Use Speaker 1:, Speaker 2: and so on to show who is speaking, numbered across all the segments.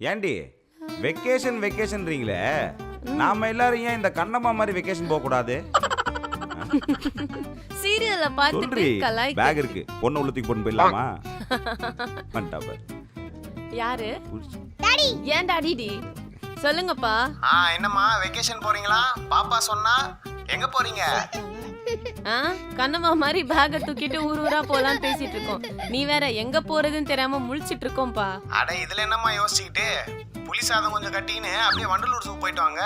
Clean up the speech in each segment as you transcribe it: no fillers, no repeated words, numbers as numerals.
Speaker 1: ஏண்டி வெக்கேஷன்றீங்களே, நாம எல்லாரும் ஏன் இந்த கண்ணம்மா மாதிரி வெக்கேஷன் போக கூடாது?
Speaker 2: சீரியல்ல பார்த்துட்டு கலாய்.
Speaker 1: பேக் இருக்கு, பொண்ணு உள்ளத்துக்கு போட்டு போயிடலாமா? பண்ணிட்டாப்ப.
Speaker 2: யாரு? டாடி. ஏன் டாடி டி? சொல்லுங்கப்பா.
Speaker 3: என்னம்மா வெக்கேஷன் போறீங்களா? பாப்பா சொன்னா எங்க போறீங்க?
Speaker 2: கண்ணம்மா மாதிரி பேக தூக்கிட்டு ஊர் ஊரா போலாம் பேசிட்டு இருக்கோம். நீ வேற எங்க போறதுன்னு தெரியாம முழிச்சிட்டு இருக்கோம்பா.
Speaker 3: அட இதுல என்னம்மா யோசிச்சுக்கிட்டு, புலி சாதம் கொஞ்சம் கட்டின்னு அப்படியே வண்டலூர் சூப் போயிட்டு வாங்க.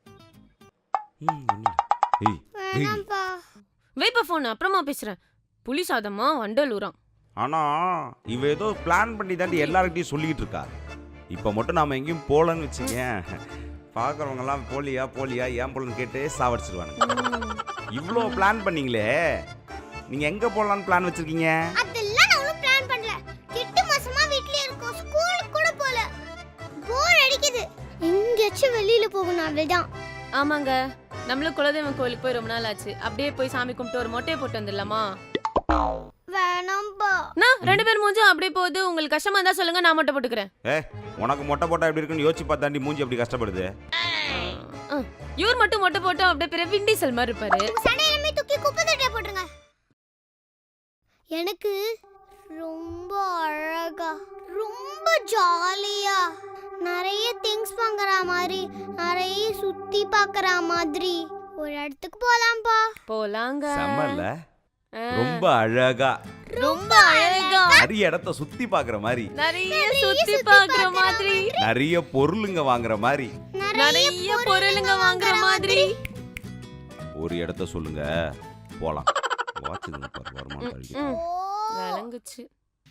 Speaker 2: வைப்பா போன், அப்புறமா பேசுறேன். புலி சாதமா வண்டலூரா?
Speaker 1: ஆனா இவ ஏதோ பிளான் பண்ணி தாண்டி எல்லார்கிட்டயும் சொல்லிட்டு இருக்கா. இப்ப மட்டும் நாம எங்கேயும் போலன்னு வச்சுங்க, பாக்குறவங்க எல்லாம் போலியா போலியா ஏன் போலன்னு கேட்டு சாவடிச்சிருவானுங்க. இவ்ளோ பிளான் பண்ணீங்களே, நீங்க எங்க போலான்னு பிளான் வச்சிருக்கீங்க?
Speaker 4: அதெல்லாம் நான் ஒண்ணும் பிளான் பண்ணல. 8 மாசமா வீட்லயே இருக்கோம், ஸ்கூலுக்கு கூட போல. போர் அடிக்குது, எங்கேயாச்சும் வெளியில போகணும் அவ்வளவுதான்.
Speaker 2: ஆமாங்க, நம்மளும் குலதெய்வம் கோயிலுக்கு போய் ரொம்ப நாள் ஆச்சு. அப்படியே போய் சாமி கும்பிட்டு ஒரு மொட்டையை போட்டு வந்துடலாமா?
Speaker 4: வேணாம்பா.
Speaker 2: நான் 2 பேர் மூஞ்சும் அப்படியே போகுது. உங்களுக்கு கஷ்டமா இருந்தா சொல்லுங்க, நான் மொட்டை போட்டுக்கிறேன்.
Speaker 1: உனக்கு மொட்டை போட்டா எப்படி இருக்குன்னு யோசிச்சு பார்த்தாண்டி மூஞ்சி அப்படி கஷ்டப்படுது.
Speaker 2: இவர் மட்டும் மொட்டை போட்டா அப்படியே பெரிய விண்டிசல் மாதிரி இருப்பாரு.
Speaker 4: சண்டையிலமே தூக்கி குப்பை தொட்டில போட்டுருங்க. எனக்கு ரொம்ப அழகா, ரொம்ப ஜாலியா, நிறைய திங்ஸ் வாங்குற மாதிரி, நிறைய சுத்தி பார்க்கற மாதிரி ஒரு இடத்துக்கு போலாம்பா.
Speaker 2: போலாங்க.
Speaker 1: செம்மல்ல, ரொம்ப அழகா,
Speaker 2: ரொம்ப அழகா,
Speaker 1: நிறைய இடத்த சுத்தி பாக்குற மாதிரி,
Speaker 2: நிறைய சுத்தி பார்க்கற மாதிரி,
Speaker 1: நிறைய பொருளுங்க வாங்குற மாதிரி,
Speaker 2: நிறைய பொருளுங்க வாங்குற மாதிரி.
Speaker 1: ஒரு இடத்த சொல்லுங்க போலாம். வாட்சுங்க பாரு, வருமானம் கழிச்சு
Speaker 2: விளங்குச்சு.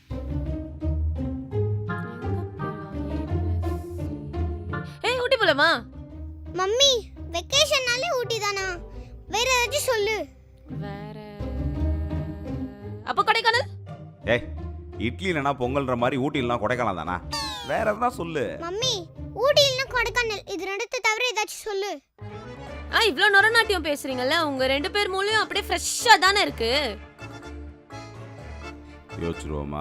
Speaker 2: ஏய் ஊட்டி போலாமா?
Speaker 4: மம்மி வெக்கேஷன்னாலே ஊட்டி தானா? வேற ஏதாச்சும் சொல்லு.
Speaker 2: வேற அப்ப கொடைக்கானல்.
Speaker 1: ஏய் இட்லி இல்லனா பொங்கல்ன்ற மாதிரி ஊட்டி இல்லனா கொடைக்கானல் தானா? வேற எதனா சொல்லு.
Speaker 4: மம்மி ஊட்டி இல்லனா கொடைக்கானல், இது ரெண்டத்தை தவிர ஏதாச்சும் சொல்லு.
Speaker 2: இவ்ளோ நொரநாட்டியம் பேசுறீங்கல்ல, உங்க 2 பேர் மூளையும் அப்படியே ஃப்ரெஷ்ஷா தானே இருக்கு.
Speaker 1: யோசிச்சுருவோமா?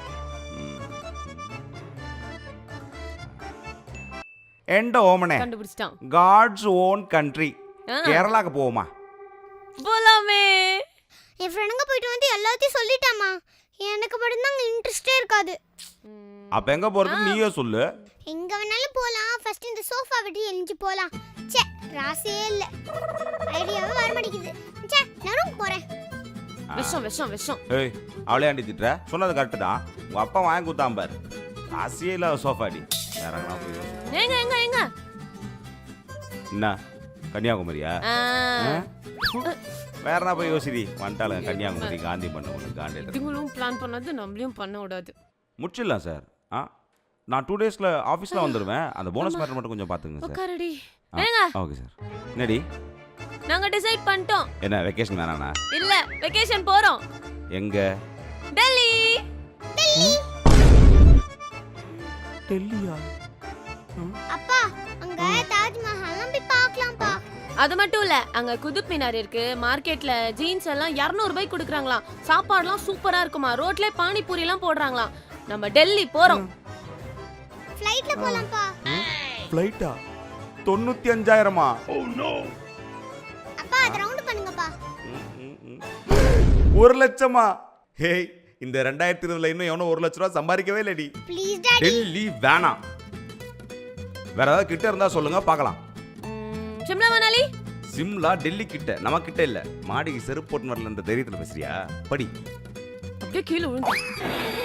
Speaker 1: எண்ட ஓமனே
Speaker 2: கண்டுபிடிச்சிட்டான்.
Speaker 1: காட்ஸ் ஓன் கண்ட்ரி கேரளாக்கு போவோமா?
Speaker 2: போலாமே.
Speaker 4: என் ஃப்ரெண்டுங்க போயிட்டு வந்து எல்லாத்தையும் சொல்லிட்டாமா. எனக்கு மட்டும் தான் இன்ட்ரெஸ்டே இருக்காது.
Speaker 1: அப்ப எங்க போறது நீயே சொல்லு.
Speaker 4: எங்க வேணாலும் போலாம். ஃபர்ஸ்ட் இந்த சோஃபா விட்டு எழிஞ்சு போலாம். ச்சே ராசியே இல்ல, ஐடியாவே வர மாட்டேங்குது. ச்சே நான் ரூம் போறேன்.
Speaker 2: விஷம் விஷம் விஷம்.
Speaker 1: ஏய் அவளே ஆண்டி திட்டுற, சொன்னது கரெக்ட் தான். உங்க அப்பா வாங்கி கொடுத்தான் பாரு, ராசியே இல்ல சோஃபாடி. வேற எங்கனா போய்
Speaker 2: எங்க எங்க எங்க
Speaker 1: என்ன கன்னியாகுமரியா? வேற என்ன போய் யோசிடி வந்துட்டாலும் கன்னியாகுமரி காந்தி பண்ண காந்தி.
Speaker 2: இதுங்களும் பிளான் பண்ணது நம்மளையும் பண்ண விடாது.
Speaker 1: முடிச்சிடலாம் சார். நான் 2 டேஸ்ல ஆஃபீஸ்ல வந்துடுவேன். அந்த போனஸ் மேட்டர் மட்டும் கொஞ்சம் பாத்துங்க சார்.
Speaker 2: உட்காருடி. ஏங்க
Speaker 1: ஓகே சார். என்னடி
Speaker 2: நாங்க டிசைட் பண்ணிட்டோம்.
Speaker 1: என்ன வெக்கேஷன் வேணானா?
Speaker 2: இல்ல வெக்கேஷன் போறோம்.
Speaker 1: எங்க?
Speaker 2: டெல்லி.
Speaker 4: டெல்லி
Speaker 1: டெல்லியா?
Speaker 4: அப்பா அங்க தாஜ்மஹால்லாம் போய் பார்க்கலாம்ப்பா.
Speaker 2: அது மட்டும் இல்ல, அங்க குதுப் மினார் இருக்கு. மார்க்கெட்ல ஜீன்ஸ் எல்லாம் 200 ரூபாய்க்கு கொடுக்குறாங்களாம். சாப்பாடுலாம் சூப்பரா இருக்குமா. ரோட்ல பானிபூரி எல்லாம் போடுறாங்களாம். நம்ம டெல்லி போறோம்.
Speaker 4: ஃளைட்ல போலாம்ப்பா.
Speaker 1: ஃளைட்டா? 95,000மா? Oh no.
Speaker 4: அப்பா அத ரவுண்ட் பண்ணுங்கப்பா.
Speaker 1: 1 லட்சமா? ஹேய் இந்த 2020ல இன்னும் எவனோ 1 லட்சம் ரூபாய் சம்பாதிக்கவே இல்லடி.
Speaker 4: Please daddy.
Speaker 1: டெல்லி வேணாம். வேற ஏதாவது கிட்ட இருந்தா சொல்லுங்க பார்க்கலாம்.
Speaker 2: சிம்லா மணாலி?
Speaker 1: சிம்லா டெல்லி கிட்ட, நம்ம கிட்ட இல்ல. மாடிக்கு செருப்பு போட்டு வரல, இந்த தைரியத்துல பேசுறியா? படி.
Speaker 2: அப்படியே கீழே விழுந்து.